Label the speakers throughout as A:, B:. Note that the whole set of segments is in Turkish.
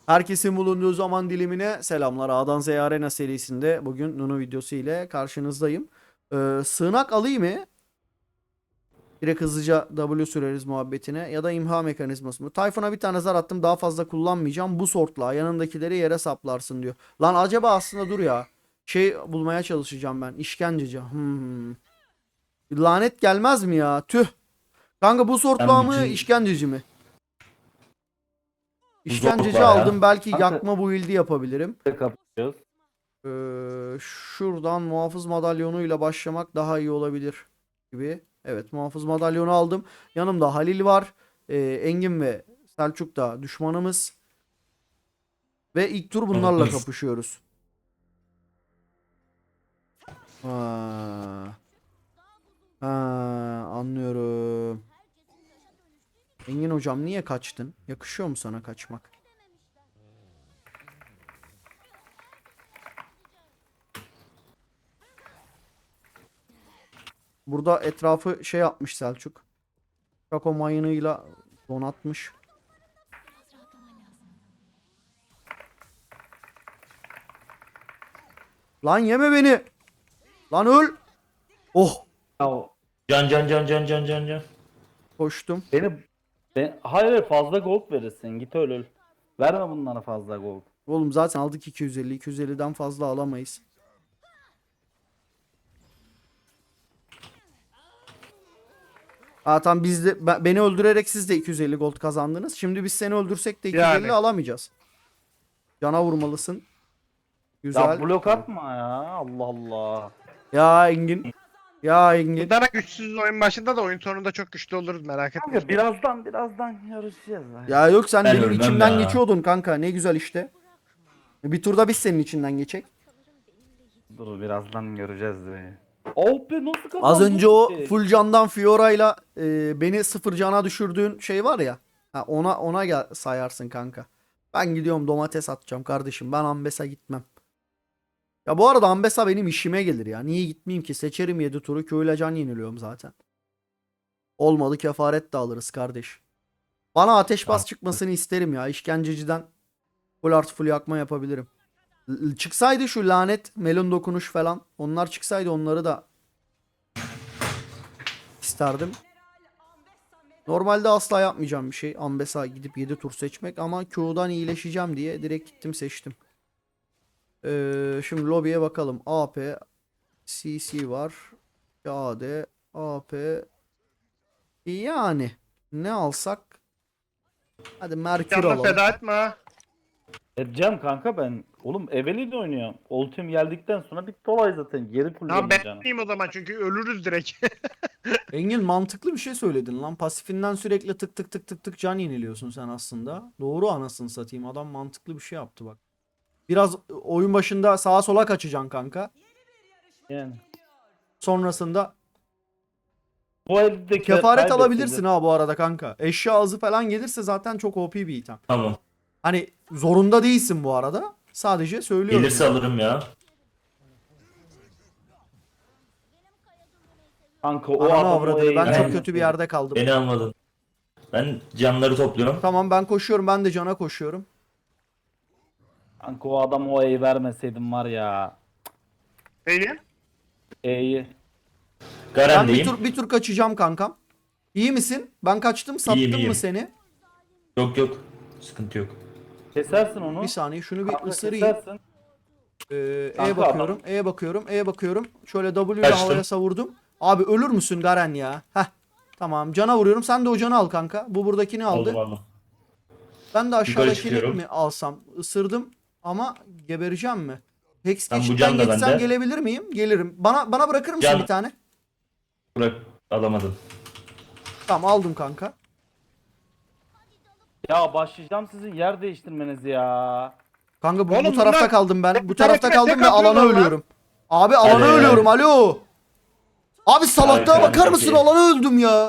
A: Herkesin bulunduğu zaman dilimine selamlar. A'dan Z'ye Arena serisinde bugün Nunu videosu ile karşınızdayım. Sığınak alayım mı? Direkt hızlıca W süreriz muhabbetine. Ya da imha mekanizması mı? Tayfun'a bir tane zar attım. Daha fazla kullanmayacağım. Bu sortla yanındakileri yere saplarsın diyor. Lan acaba aslında dur ya. Şey bulmaya çalışacağım ben. İşkenceci. Lanet gelmez mi ya? Tüh. Kanka bu sortla
B: Ben
A: mı
B: bütün
A: işkenceci mi?
B: bu
A: İşkenceci
B: zorla
A: aldım.
B: ya.
A: Belki
C: Kanka
A: yakma build'i yapabilirim.
C: kapatıyoruz.
A: Şuradan muhafız madalyonuyla başlamak daha iyi olabilir gibi. Evet, muhafız madalyonu aldım. Yanımda Halil var. Engin ve Selçuk da düşmanımız. Ve ilk tur bunlarla kapışıyoruz. Ha. Ha, anlıyorum. Engin hocam niye kaçtın? Yakışıyor mu sana kaçmak? Burada etrafı şey yapmış Selçuk. Şako mayınıyla donatmış. Lan yeme beni. Lan öl. Oh.
C: Ya
B: Can.
A: Koştum.
C: hayır fazla gold verirsin. Git öl. Verme bunlara fazla gold.
A: Oğlum zaten aldık 250. 250'den fazla alamayız. Ha tamam biz de beni öldürerek siz de 250 gold kazandınız. Şimdi biz seni öldürsek de 250
D: Yani.
A: alamayacağız. Cana vurmalısın. Güzel.
C: Ya blok atma ya. Allah Allah.
A: Ya Engin. Ya Engin.
D: Gidana güçsüz oyun başında da oyun sonunda çok güçlü oluruz, merak etme.
C: Kanka birazdan yarışacağız.
A: Ya yok sen
B: Ben
A: benim
B: ölmem
A: içimden
B: ya.
A: geçiyordun kanka. Ne güzel işte. Bir turda biz senin içinden geçecek.
C: Dur birazdan göreceğiz be. Oh be nasıl kazandın?
A: Az önce o
C: ki?
A: full candan Fiora'yla beni sıfır cana düşürdüğün şey var ya. Ha, ona gel sayarsın kanka. Ben gidiyorum domates atacağım kardeşim. Ben Ambes'a gitmem. Ya bu arada Ambes'a benim işime gelir ya. Niye gitmeyeyim ki? Seçerim 7 turu. Köyle can yeniliyorum zaten. Olmadı kefaret de alırız kardeş. Bana ateş bas çıkmasını isterim ya. İşkenceciden full artı full yakma yapabilirim. Çıksaydı şu lanet melon dokunuş falan. Onlar çıksaydı onları da isterdim. Normalde asla yapmayacağım bir şey. Ambessa gidip 7 tur seçmek ama Q'dan iyileşeceğim diye direkt gittim seçtim. Şimdi lobiye bakalım. AP, CC var. AD, AP. Yani ne alsak? Hadi Merkür
D: Canını
A: alalım.
D: feda etme ha.
C: Edeceğim kanka ben. Oğlum Eveli de oynuyorum. Ultim geldikten sonra bitti olay zaten. Geri
D: Tamam
C: kullanacağım
D: ben
C: canım.
D: etmeyeyim o zaman çünkü ölürüz direkt.
A: Engin mantıklı bir şey söyledin lan. Pasifinden sürekli tık tık tık tık tık can yeniliyorsun sen aslında. Doğru anasını satayım. Adam mantıklı bir şey yaptı bak. Biraz oyun başında sağa sola kaçacaksın kanka.
C: Yani.
A: Sonrasında
C: Bu elde
A: kefaret alabilirsin ha bu arada kanka. Eşya ağzı falan gelirse zaten çok OP bir item.
B: Tamam.
A: Hani zorunda değilsin bu arada. Sadece söylüyorum.
B: Gelirse
A: yani.
B: alırım ya.
C: Kanka o
A: Ananı
C: adam
A: avradını, ben çok
B: Ben-
A: kötü bir yerde kaldım.
B: Beni almadın. Ben canları topluyorum.
A: Tamam ben koşuyorum, ben de cana koşuyorum.
C: Kanka o adam o E'yi vermeseydim var ya.
D: Neyi?
C: E'yi.
A: Ben
B: Garen'deyim.
A: bir tur kaçacağım kankam. İyi misin? Ben kaçtım, sattım
B: iyiyim.
A: mı seni?
B: Yok. Sıkıntı yok.
C: Kesersin onu.
A: Bir saniye şunu bir
C: Kanka
A: ısırayım.
C: kesersin.
A: E
C: Kanka
A: bakıyorum, E bakıyorum, E bakıyorum. Şöyle W ile
B: Kaçtım.
A: havaya savurdum. Abi ölür müsün Garen ya? Heh. Tamam cana vuruyorum. Sen de o canı al kanka. Bu buradakini aldı.
B: Aldım.
A: Ben de aşağıdakini
B: çıkıyorum.
A: mi alsam? Isırdım ama gebereceğim mi? Hex
B: Ben bu
A: geçitten
B: can da
A: geçsem
B: bende.
A: gelebilir miyim? Gelirim. Bana bırakır mısın
B: Can-
A: bir tane?
B: Bırak alamadım.
A: Tamam aldım kanka.
C: Ya başlayacağım sizin yer değiştirmeniz ya.
A: Kanka bu
D: Oğlum
A: tarafta
D: bunlar-
A: kaldım ben. Bu
D: bir
A: tarafta
D: tarafına
A: kaldım
D: tek
A: ve alana
D: atıyorlar lan.
A: ölüyorum. Abi alana
B: Hadi.
A: ölüyorum. Alo. Abi salaklığa
B: Harika,
A: bakar mısın?
B: peki.
A: Alana öldüm ya.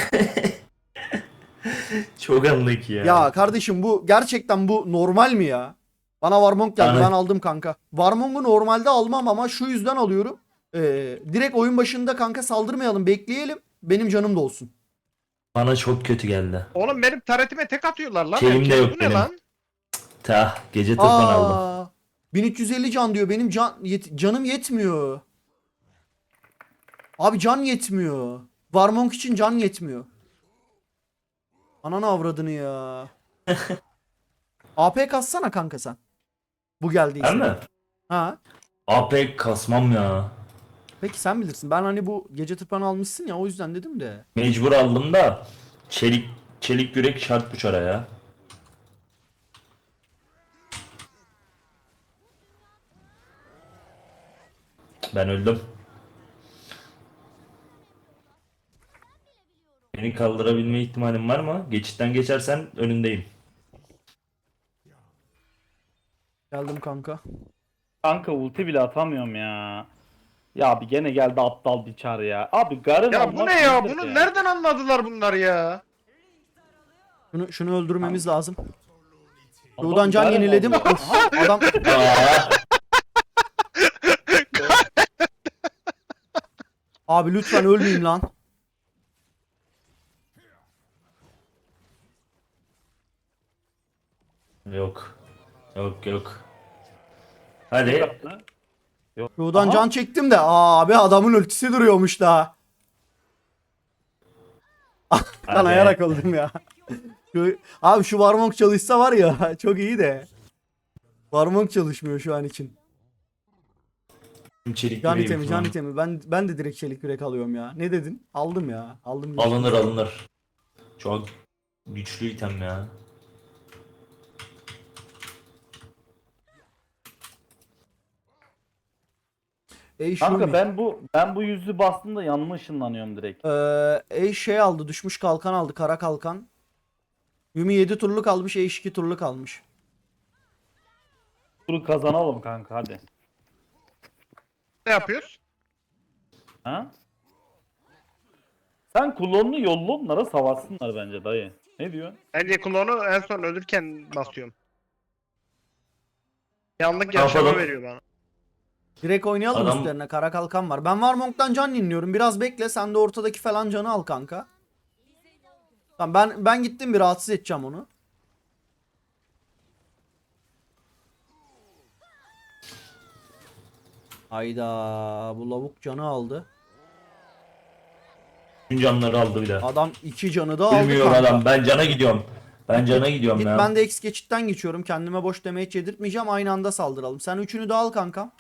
B: Çok anlık ya.
A: Ya kardeşim bu gerçekten bu normal mi ya? Bana Warmong geldi,
B: Yani-
A: ben aldım kanka. Warmong'u normalde almam ama şu yüzden alıyorum. Direkt oyun başında kanka saldırmayalım, bekleyelim. Benim canım da olsun.
B: Bana çok kötü geldi.
D: Oğlum benim taretime tek atıyorlar lan.
B: Şeyim de
D: herkes.
B: yok
D: Bu ne
B: benim.
D: lan?
B: Tah gece tırpan aldım.
A: Aa, 1350 can diyor. Benim canım yetmiyor. Abi can yetmiyor. Varmonk için can yetmiyor. Ananı avradını ya. AP kassana kanka sen. Bu geldiyse.
B: Ben mi?
A: Ha.
B: AP kasmam ya.
A: Peki sen bilirsin. Ben hani bu gece tırpanı almışsın ya o yüzden dedim de.
B: Mecbur aldım da çelik yürek şart bu çara ya. Ben öldüm. Beni kaldırabilme ihtimalin var mı? Geçitten geçersen önündeyim.
A: Geldim kanka.
C: Kanka ulti bile atamıyorum ya. Ya abi gene geldi aptal bir çar ya. Abi Garen
D: Ya bu
C: almak
D: ne ya?
C: nedir
D: Bunu nereden anladılar bunlar ya?
A: Şunu öldürmemiz lazım.
C: Adam
A: Şuradan can
C: Garen
A: yeniledim.
C: alıyor.
A: Of, adam
B: Aa,
A: abi lütfen ölmeyeyim lan.
B: yok. Yok yok. Hadi.
A: Şuradan
C: Aha.
A: can çektim de abi adamın ultisi duruyormuş daha. Kanayarak öldüm ya. Abi şu Varmonk çalışsa var ya çok iyi de. Varmonk çalışmıyor şu an için.
B: Çelik
A: Can
B: yüreğim
A: itemi,
B: şu an.
A: can itemi. Ben de direkt çelik yürek alıyorum ya. Ne dedin? Aldım ya. Aldım.
B: Alınır alınır. Çok güçlü item ya.
A: Ey
C: Kanka
A: Shumi.
C: ben bu yüzü bastığımda yanma ışınlanıyorum direkt.
A: Ey şey aldı. Düşmüş kalkan aldı. Kara kalkan. Yumi 7 turluk almış. Ey 2 turluk almış.
C: Turu kazanalım kanka hadi.
D: Ne yapıyoruz?
C: Ha? Sen klonunu yolla onlara savaşsınlar bence dayı. Ne diyorsun?
D: Bence klonu en son ölürken basıyorum. Yanlık
B: Ne
D: yaşama
B: yapalım?
D: veriyor bana.
A: Direkt oynayalım
B: Adam-
A: üstlerine. Kara kalkan var. Ben Varmonk'tan can inliyorum. Biraz bekle. Sen de ortadaki falan canı al kanka. Tamam ben gittim bir rahatsız edeceğim onu. Hayda bu lavuk canı aldı.
B: Tüm canları aldı bir de.
A: Adam 2 canı da aldı
B: Bilmiyor
A: kanka.
B: adam. Ben cana gidiyorum. Ben cana gidiyorum
A: Git
B: ya.
A: ben de X geçitten geçiyorum. Kendime boş damage yedirtmeyeceğim. Aynı anda saldıralım. Sen üçünü de al kankam.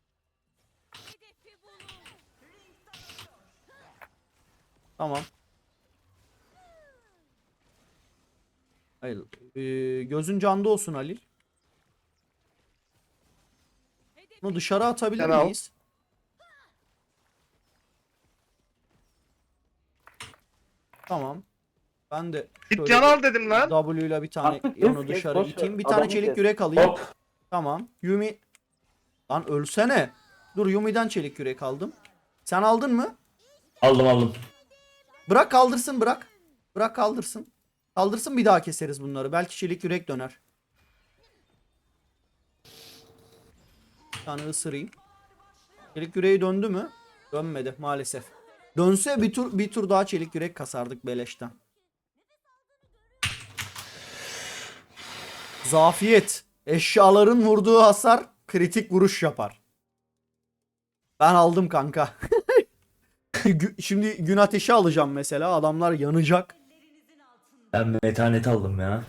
A: Tamam. Hayır. Gözün canda olsun Halil. Bunu dışarı atabilir
D: Sen al.
A: miyiz? Tamam. Ben de
D: Git
A: şöyle
D: can al dedim lan.
A: W ile bir tane
C: Artık
A: onu
C: kes, kes,
A: dışarı
C: boş ver.
A: iteyim. Bir tane
C: Adamı
A: çelik
C: kes.
A: yürek alayım.
B: Hop.
A: Tamam. Yumi. Lan ölsene. Dur Yumi'den çelik yürek aldım. Sen aldın mı?
B: Aldım aldım.
A: Bırak kaldırsın bırak. Bırak kaldırsın. Kaldırsın bir daha keseriz bunları. Belki çelik yürek döner. Bir tane ısırayım. Çelik yüreği döndü mü? Dönmedi maalesef. Dönse bir tur daha çelik yürek kasardık beleşten. Zafiyet. Eşyaların vurduğu hasar kritik vuruş yapar. Ben aldım kanka. Şimdi gün ateşi alacağım mesela. Adamlar yanacak.
B: Ben metanet aldım ya.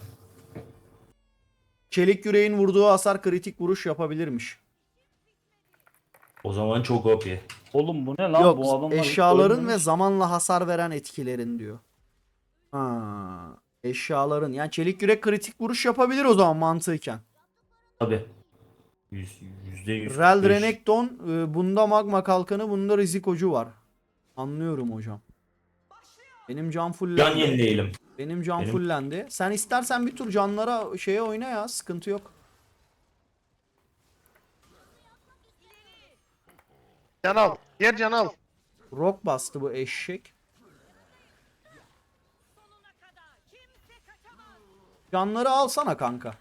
A: Çelik yüreğin vurduğu hasar kritik vuruş yapabilirmiş.
B: O zaman çok OP.
C: Oğlum bu ne lan bu
A: Yok
C: adamlar hiç
A: eşyaların
C: ölmemiş.
A: ve zamanla hasar veren etkilerin diyor. Ha, eşyaların yani çelik yürek kritik vuruş yapabilir o zaman mantıken.
B: Tabi. %100.
A: Rel Renekton bunda magma kalkanı bunda rizikocu var. Anlıyorum hocam. Benim can
B: Can
A: fullendi.
B: yenileyelim.
A: Benim can
B: Benim-
A: fullendi. Sen istersen bir tur canlara şeye oyna ya sıkıntı yok.
D: Can al. Diğer can al.
A: Rock bastı bu eşek. Canları alsana kanka.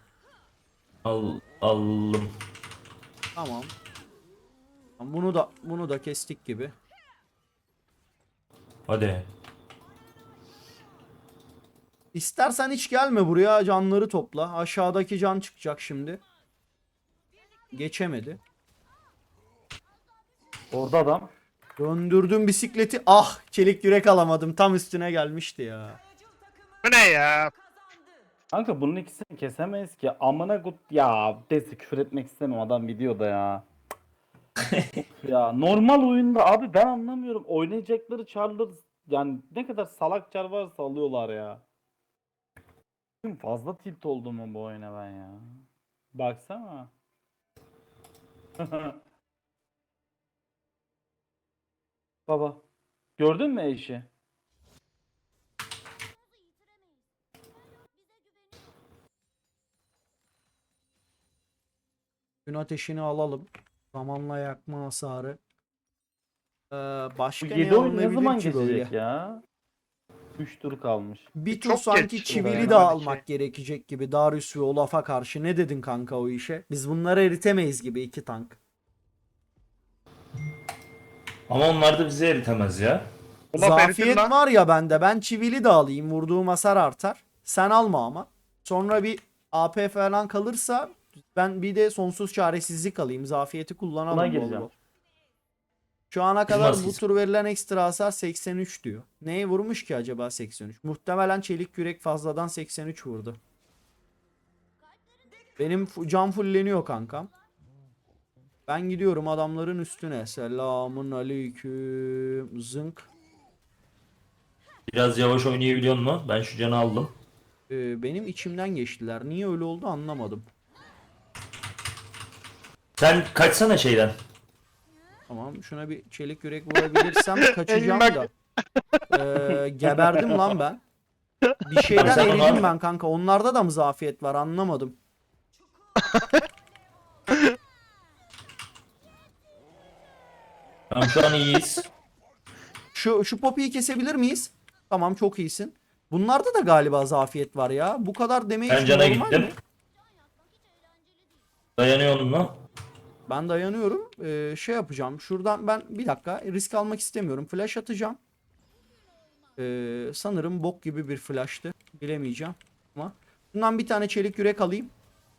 B: Aldım.
A: Tamam. Tamam, bunu da kestik gibi.
B: Hadi.
A: İstersen hiç gelme buraya, canları topla. Aşağıdaki can çıkacak şimdi. Geçemedi.
C: Orada adam.
A: Döndürdüm bisikleti. Ah, çelik yürek alamadım. Tam üstüne gelmişti ya.
D: Bu ne ya?
C: Kanka bunun ikisini kesemeyiz ki. Amına kut ya. Neyse küfür etmek istemem, adam videoda ya. Ya normal oyunda abi ben anlamıyorum. Oynayacakları çarlar yani ne kadar salak çar varsa alıyorlar ya. Bugün fazla tilt oldum mu bu oyuna ben ya. Baksana. Baba. Gördün mü eşi?
A: Gün ateşini alalım. Zamanla yakma hasarı.
C: Bu
A: Başka
C: 7
A: ne
C: oyun ne
A: alınabilir
C: zaman
A: ki böyle?
C: geçecek ya? 3 tur kalmış.
A: Bir tur
D: Çok
A: sanki
D: geç
A: çivili
D: oluyor
A: de
D: yani.
A: almak gerekecek gibi. Darius ve Olaf'a karşı ne dedin kanka o işe? Biz bunları eritemeyiz gibi, iki tank.
B: Ama onlar da bizi eritemez ya.
D: Olaf eritir
A: Zafiyet
D: lan.
A: var ya bende. Ben çivili de alayım. Vurduğum hasar artar. Sen alma ama. Sonra bir AP falan kalırsa ben bir de sonsuz çaresizlik alayım. Zafiyeti
C: Buna
A: kullanalım bol
C: gireceğim.
A: bol. Şu ana kadar bu
B: Maskesi.
A: tur verilen ekstra hasar 83 diyor. Neye vurmuş ki acaba 83? Muhtemelen çelik yürek fazladan 83 vurdu. Benim can fulleniyor kankam. Ben gidiyorum adamların üstüne. Selamun aleyküm. Zınk.
B: Biraz yavaş oynayabiliyor mu? Ben şu canı aldım.
A: Benim içimden geçtiler. Niye öyle oldu anlamadım.
B: Sen kaçsana şeyden.
A: Tamam, şuna bir çelik yürek vurabilirsem kaçacağım
D: Bak.
A: da. Geberdim lan ben. Bir şeyden
B: Sen
A: eridim
B: onu-
A: ben kanka. Onlarda da mı zafiyet var anlamadım.
B: Tamam şu an iyiyiz.
A: Şu Poppy'yi kesebilir miyiz? Tamam, çok iyisin. Bunlarda da galiba zafiyet var ya. Bu kadar damage
B: Ben cana
A: normal
B: gittim.
A: mi?
B: Dayanıyor mu?
A: Ben dayanıyorum. Şey yapacağım. Şuradan ben bir dakika risk almak istemiyorum. Flash atacağım. Sanırım bok gibi bir flash'tı. Bilemeyeceğim. Ama bundan bir tane çelik yürek alayım.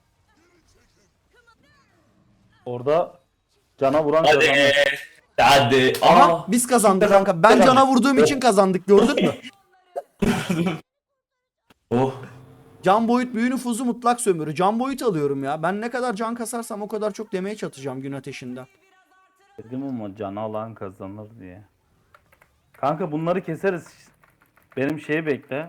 C: Orada cana vuran
B: Hadi.
C: kazanır.
B: Hadi.
A: Aha,
B: Aa.
A: biz kazandık
B: Süper.
A: kanka. Ben cana vurduğum için kazandık, gördün mü?
B: Oh.
A: Can boyut büyü nüfuzu mutlak sömürü. Can boyut alıyorum ya. Ben ne kadar can kasarsam o kadar çok damage atacağım gün ateşinden.
C: Dedim ama canı alan kazanır diye. Kanka bunları keseriz. Benim şeyi bekle.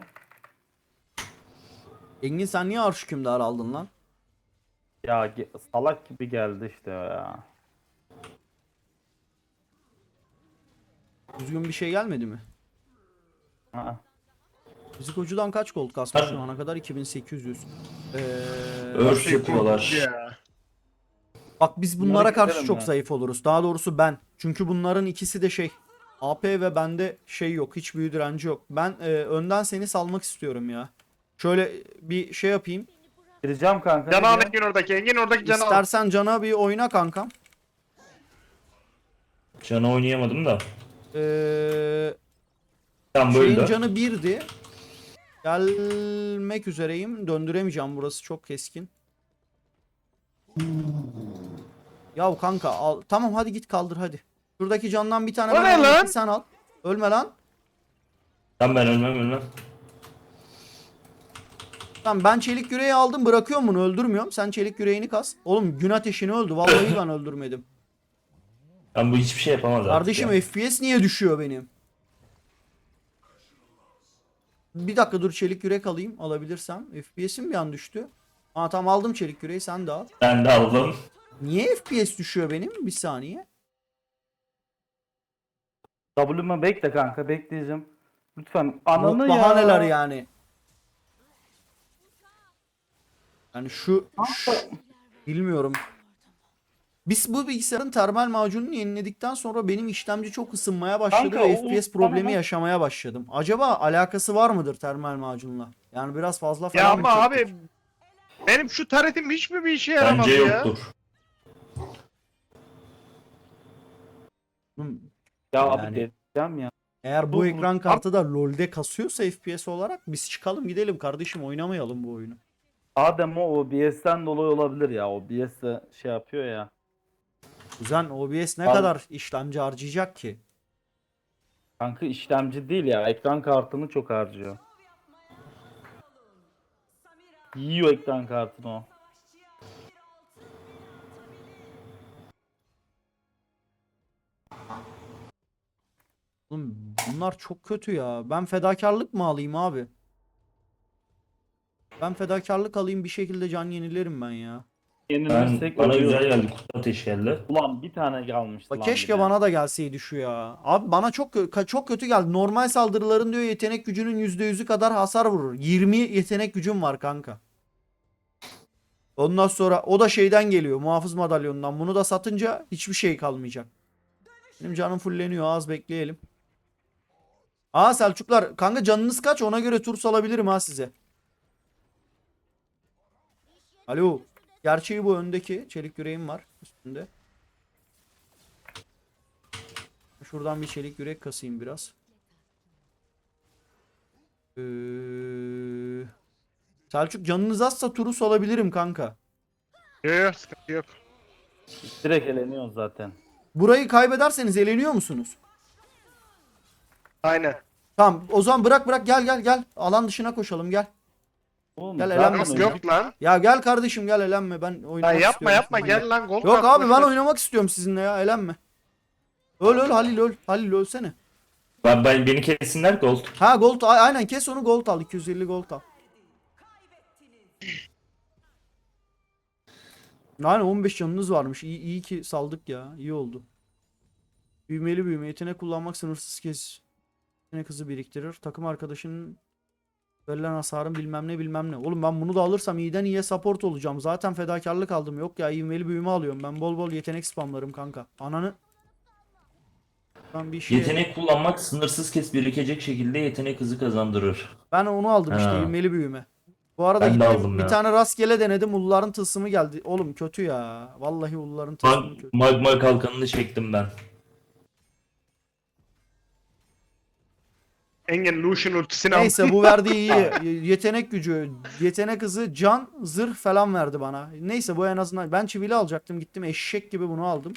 A: Engin sen niye arş hükümdar aldın lan?
C: Ya salak gibi geldi işte ya.
A: Düzgün bir şey gelmedi mi?
C: Aa.
A: Fizikocudan kaç gold kasmış şu ana kadar? 2800.
B: Örs yapıyorlar.
D: Ya.
A: Bak biz bunlara
C: Bunları
A: karşı
C: keserim
A: çok
C: ya.
A: zayıf oluruz. Daha doğrusu ben. Çünkü bunların ikisi de şey. AP ve bende şey yok. Hiç büyü direnci yok. Ben önden seni salmak istiyorum ya. Şöyle bir şey yapayım.
C: Gireceğim kanka.
D: Canı al
C: nereye?
D: Engin oradaki. Engin oradaki canı al.
A: İstersen cana bir oyna kankam.
B: Canı oynayamadım da.
A: Eee
B: Tam
A: Şeyin
B: böyle.
A: canı 1'di. Gelmek üzereyim. Döndüremeyeceğim, burası çok keskin. Yav kanka al. Tamam hadi git kaldır hadi. Şuradaki candan bir tane
D: O
A: ben
D: ne
A: alayım,
D: lan?
A: sen al. Ölme lan.
B: Tamam ben ölmem.
A: Tamam, ben çelik yüreği aldım, bırakıyorum bunu, öldürmüyorum. Sen çelik yüreğini kas. Oğlum gün ateşini öldü. Vallahi ben öldürmedim.
B: Ben bu hiçbir şey yapamaz artık
A: Kardeşim
B: ya.
A: FPS niye düşüyor benim? Bir dakika dur, çelik yürek alayım alabilirsem. FPS'im bir an düştü. Aa tamam, aldım çelik yüreği, sen de al.
B: Ben de aldım.
A: Niye FPS düşüyor benim? Bir saniye.
C: W'ma bekle kanka, bekleyeceğim. Lütfen
A: Yok,
C: ananı ya.
A: bahaneler yani. Yani bilmiyorum. Biz bu bilgisayarın termal macununu yeniledikten sonra benim işlemci çok ısınmaya başladı
C: Kanka,
A: ve
C: o-
A: FPS problemi
C: tamam.
A: yaşamaya başladım. Acaba alakası var mıdır termal macunla? Yani biraz fazla falan
D: Ya
A: mı
D: ama
A: çektik?
D: abi benim şu taretim hiç mi bir işe yaramadı
B: Bence
D: ya?
B: yoktur.
A: Hmm,
C: Ya
A: Yani-
C: abi delireceğim ya.
A: Eğer bu
C: Bu-
A: ekran kartı da LoL'de kasıyorsa FPS olarak biz çıkalım gidelim kardeşim, oynamayalım bu oyunu.
C: Adem o OBS'ten dolayı olabilir ya. OBS de şey yapıyor ya.
A: Kuzen OBS ne
C: Al.
A: kadar işlemci harcayacak ki?
C: Kanka işlemci değil ya. Ekran kartını çok harcıyor. Yiyor ekran kartını o.
A: Oğlum bunlar çok kötü ya. Ben fedakarlık mı alayım abi? Ben fedakarlık alayım, bir şekilde can yenilerim ben ya.
C: Yenilirsek
B: Bana
C: ölüyoruz.
B: güzel geldi. Kutu ateş geldi.
C: Ulan bir tane kalmıştı
A: Bak
C: lan
A: keşke
C: bir de.
A: bana da gelseydi şu ya. Abi bana çok kötü geldi. Normal saldırıların diyor yetenek gücünün %100'ü kadar hasar vurur. 20 yetenek gücüm var kanka. Ondan sonra o da şeyden geliyor. Muhafız madalyonundan. Bunu da satınca hiçbir şey kalmayacak. Benim canım fulleniyor. Az bekleyelim. Aa Selçuklar. Kanka canınız kaç? Ona göre tur salabilirim ha size. Alo. Gerçeği bu öndeki. Çelik yüreğim var üstünde. Şuradan bir çelik yürek kasayım biraz. Selçuk canınız azsa turu salabilirim kanka.
D: Yok yok sıkıntı yok.
C: Direkt eleniyoruz zaten.
A: Burayı kaybederseniz eleniyor musunuz?
D: Aynen.
A: Tamam o zaman bırak gel. Alan dışına koşalım gel.
C: Oğlum
A: Gel,
C: zaten
A: elenmesin.
D: Yok
C: öldük.
D: yok lan.
A: Ya gel kardeşim gel, elenme, ben
D: Lan
A: oynamak
D: yapma
A: istiyorum
D: yapma
A: sizinle.
D: gel lan gol
A: Yok
D: kart,
A: abi
D: boş
A: ben
D: ver.
A: oynamak istiyorum sizinle ya, elenme. Öl Halil öl. Halil ölsene.
B: Beni kessinler gold.
A: Ha gold aynen kes onu, gold al, 250 gold al. Yani 15 canınız varmış. İyi ki saldık ya. İyi oldu. Büyümeli büyüme. Yetenek kullanmak sınırsız kez. Yetenek hızı biriktirir. Takım arkadaşının verilen hasarın bilmem ne. Oğlum ben bunu da alırsam iyiden iyiye support olacağım. Zaten fedakarlık aldım. Yok ya, ivmeli büyüme alıyorum. Ben bol bol yetenek spamlarım kanka. Ananı. Ben bir şey.
B: Yetenek kullanmak sınırsız kez birikecek şekilde yetenek hızı kazandırır.
A: Ben onu aldım işte,
B: Ha.
A: ivmeli büyüme. Bu arada
B: Ben de
A: gittim
B: aldım
A: bir
B: ya.
A: tane rastgele denedim. Ulların tılsımı geldi. Oğlum kötü ya. Vallahi ulların tılsımı kötü.
B: Magma kalkanını çektim ben.
D: Engen Lucian ultisini al.
A: Neyse bu verdiği iyi. Yetenek gücü, yetenek hızı, can, zırh falan verdi bana. Neyse bu en azından. Ben çivili alacaktım. Gittim eşek gibi bunu aldım.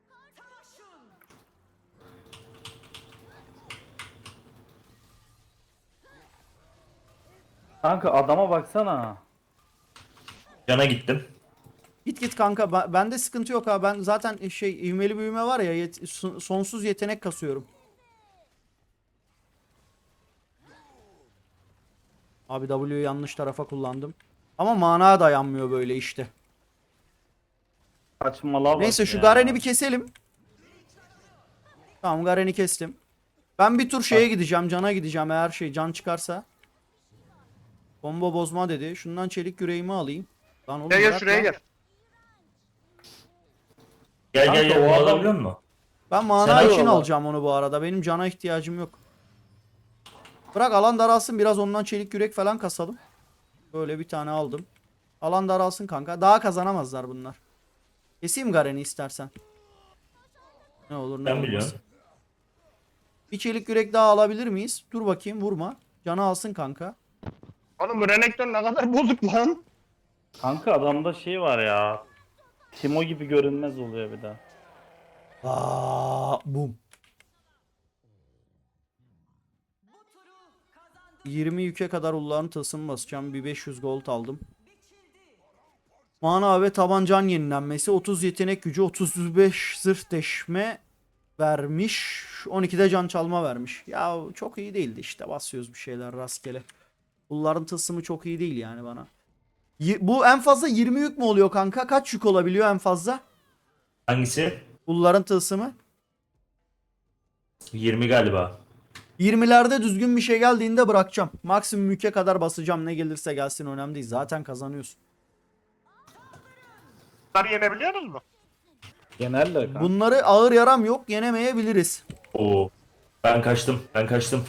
C: Kanka adama baksana.
B: Cana gittim.
A: Git kanka. Bende sıkıntı yok ha. Ben zaten ivmeli büyüme var ya, sonsuz yetenek kasıyorum. Abi W'yu yanlış tarafa kullandım. Ama mana dayanmıyor böyle işte.
C: Saçmalığa bak
A: Neyse şu
C: ya.
A: Garen'i bir keselim. Tamam Garen'i kestim. Ben bir tur şeye gideceğim. Can'a gideceğim eğer can çıkarsa. Combo bozma dedi. Şundan çelik yüreğimi alayım. Lan oğlum
D: Gel gel
A: bırak
D: şuraya
A: lan.
D: gel.
B: Gel
C: Kanka,
B: gel
C: o
B: bunu
C: adam-
B: alabiliyor musun?
A: Ben mana
B: Sen
A: için
B: al.
A: alacağım onu bu arada. Benim cana ihtiyacım yok. Bırak alan daralsın, biraz ondan çelik yürek falan kasalım. Böyle bir tane aldım. Alan daralsın kanka. Daha kazanamazlar bunlar. Keseyim Garen'i istersen. Ne olur ne
B: Ben
A: olmaz.
B: biliyorum.
A: Bir çelik yürek daha alabilir miyiz? Dur bakayım, vurma. Canı alsın kanka.
D: Oğlum bu Renekton ne kadar bozuk lan.
C: Kanka adamda şey var ya. Timo gibi görünmez oluyor bir daha.
A: Bum. 20 yüke kadar ulların tılsım basacağım. Bir 500 gold aldım. Mana ve tabancan yenilenmesi. 30 yetenek gücü. 35 zırh deşme vermiş. 12'de can çalma vermiş. Ya çok iyi değildi işte. Basıyoruz bir şeyler rastgele. Ulların tılsımı çok iyi değil yani bana. Bu en fazla 20 yük mü oluyor kanka? Kaç yük olabiliyor en fazla?
B: Hangisi?
A: Ulların tılsımı.
B: 20 galiba.
A: 20'lerde düzgün bir şey geldiğinde bırakacağım. Maksimum yüke kadar basacağım. Ne gelirse gelsin önemli değil. Zaten kazanıyorsun.
D: Bunları yenebiliyoruz mu?
C: Genelde kanka.
A: Bunları ağır yaram yok. Yenemeyebiliriz.
B: Oo. Ben kaçtım. Ben kaçtım.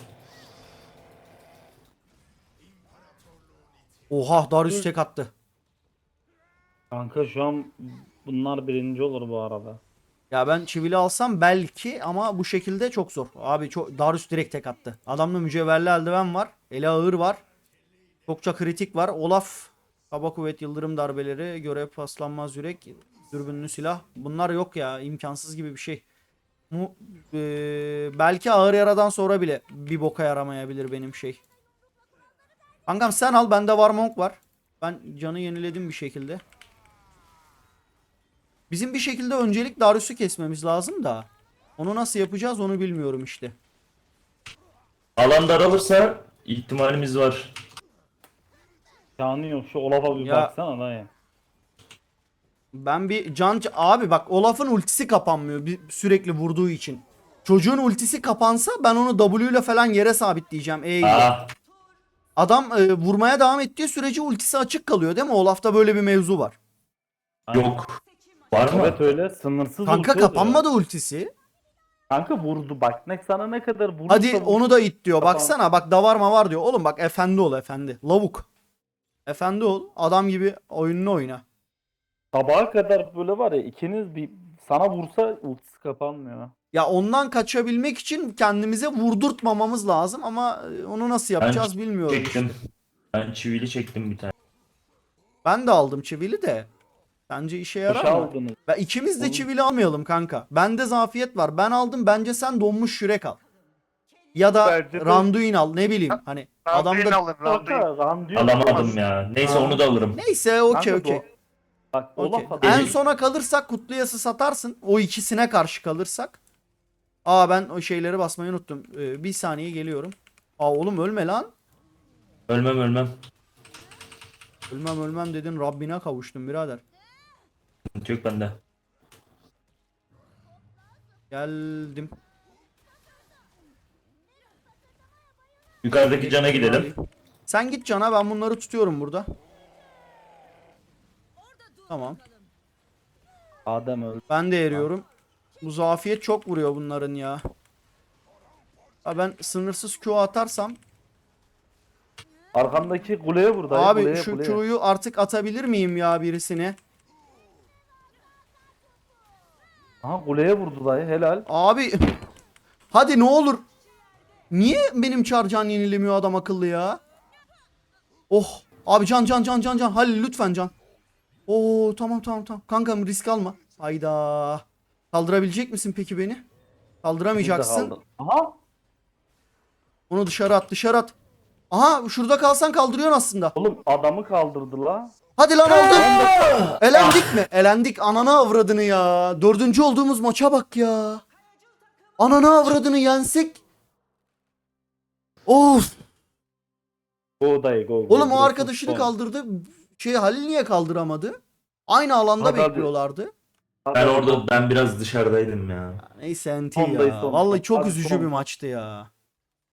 A: Oha Darius tek attı.
C: Kanka şu an bunlar birinci olur bu arada.
A: Ya ben çivili alsam belki ama bu şekilde çok zor. Abi çok Darius direkt tek attı. Adamda mücevherli eldiven var. Ele ağır var. Çokça kritik var. Olaf, kaba kuvvet, yıldırım darbeleri, görev paslanmaz yürek, dürbünlü silah. Bunlar yok ya. İmkansız gibi bir şey. Belki ağır yaradan sonra bile bir boka yaramayabilir benim şey. Kankam sen al. Bende var monk var. Ben canı yeniledim bir şekilde. Bizim bir şekilde öncelik Darius'u kesmemiz lazım da. Onu nasıl yapacağız onu bilmiyorum işte.
B: Alan daralırsa ihtimalimiz var.
C: Canı yok, şu Olaf'a bir
A: Ya-
C: baksana dayı.
A: Ben bir abi bak Olaf'ın ultisi kapanmıyor sürekli vurduğu için. Çocuğun ultisi kapansa ben onu W ile falan yere sabitleyeceğim. E ile.
B: Aa,
A: Adam vurmaya devam ettiği sürece ultisi açık kalıyor değil mi? Olaf'ta böyle bir mevzu var.
B: yok. Var mı?
C: Evet öyle sınırsız
A: Kanka
C: ulti oluyor.
A: kapanmadı ultisi.
C: Kanka vurdu bak ne sana ne kadar vurursa
A: Hadi
C: vursun.
A: onu da it diyor.
C: Kapan-
A: Baksana bak davar mı var diyor. Oğlum bak efendi ol efendi. Lavuk. Efendi ol. Adam gibi oyununu oyna.
C: Sabaha kadar böyle var ya ikiniz bir sana vursa ultisi kapanmıyor.
A: Ya ondan kaçabilmek için kendimize vurdurtmamamız lazım ama onu nasıl yapacağız bilmiyorum
B: Çektim.
A: işte.
B: Ben çivili çektim bir tane.
A: Ben de aldım çivili de. Bence işe yarar
C: Boşa
A: mı?
C: aldınız.
A: Ve ikimiz de
C: Oğlum.
A: çivili almayalım kanka. Bende zafiyet var. Ben aldım. Bence sen donmuş yürek al. Ya da
D: Bence de-
A: Randuin al. Ne bileyim. Hani
D: Randuin
A: adamda...
D: alın Randuin.
C: Kanka Randuin
B: Alamadım ya. Neyse
A: Aa.
B: onu da alırım.
A: Neyse okey
C: Kanka,
A: okey.
C: Bak
A: Okey.
C: Olaf
A: En
C: adam.
A: sona kalırsak Kutluyas'ı satarsın. O ikisine karşı kalırsak. Aa ben o şeyleri basmayı unuttum. Bir saniye geliyorum. Aa oğlum ölme lan.
B: Ölmem.
A: Ölmem dedin Rabbine kavuştum birader.
B: Sıkıntı yok bende.
A: Geldim.
B: Yukarıdaki cana gidelim.
A: Sen git cana ben bunları tutuyorum burada. Tamam.
C: Adem öldü.
A: Ben de eriyorum. Bu zafiyet çok vuruyor bunların ya. Ha ben sınırsız Q atarsam.
C: Arkamdaki kuleye vur dayı.
A: Abi
C: kuleye,
A: şu
C: kuleye.
A: Q'yu artık atabilir miyim ya birisine?
C: Aha kuleye vurdu dayı helal.
A: Abi hadi ne olur. Niye benim çarcan yenilemiyor adam akıllı ya? Oh. Abi can. Halil lütfen can. Oo tamam. Kankam risk alma. Hayda. Kaldırabilecek misin peki beni? Kaldıramayacaksın.
C: Kaldı. Aha.
A: Onu dışarı at. Aha şurada kalsan kaldırıyorsun aslında.
C: Oğlum adamı kaldırdı la.
A: Hadi lan oldu. Elendik mi? Elendik. Ananı avradını ya. 4. olduğumuz maça bak ya. Ananı avradını yensek. Of.
C: Go dayı go.
A: Oğlum o
C: Burası
A: arkadaşını
C: son.
A: kaldırdı. Halil niye kaldıramadı? Aynı alanda
C: Hadi, hadi.
A: bekliyorlardı.
B: Ben orada biraz dışarıdaydım ya.
A: Neyse enti
C: Sondayız,
A: ya.
C: son.
A: Vallahi çok
C: Hadi
A: üzücü
C: son.
A: bir maçtı ya.